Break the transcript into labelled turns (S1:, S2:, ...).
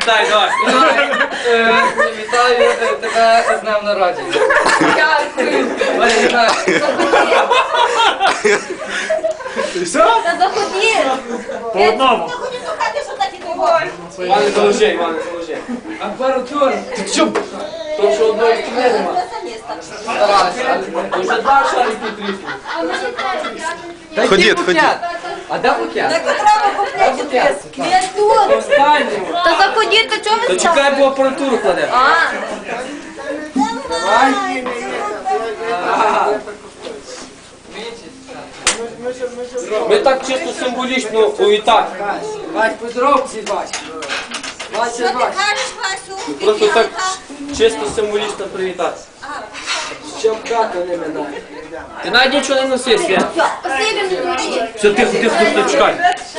S1: вітай, давай.
S2: Вітаю тебе з днем народження.
S3: Дякую. Та заходи.
S4: По одному.
S1: Іване, заложи, Іване, заложи.
S2: Апаратура.
S1: То, що одної сторони нема.
S2: Старалися.
S1: То вже два шарики тріснули.
S5: Ходіть, ходіть.
S2: А де букет?
S3: Так треба купляти. Я тут.
S1: Останньому.
S3: Та заходіть, то чого ви
S1: То чекай, бо апаратуру кладе.
S3: А,
S1: Ми так чисто символічно увітати.
S2: Бач, подробці бач. Бач,
S6: Що ти
S2: бач.
S6: кажеш, Васю?
S1: Просто так чисто символічно привітатися.
S2: Щоб хату не минає.
S1: Ти навіть нічого не носив, Свят.
S3: спасибі, не говори.
S1: Все, тихо, тихо, тихо, чекай.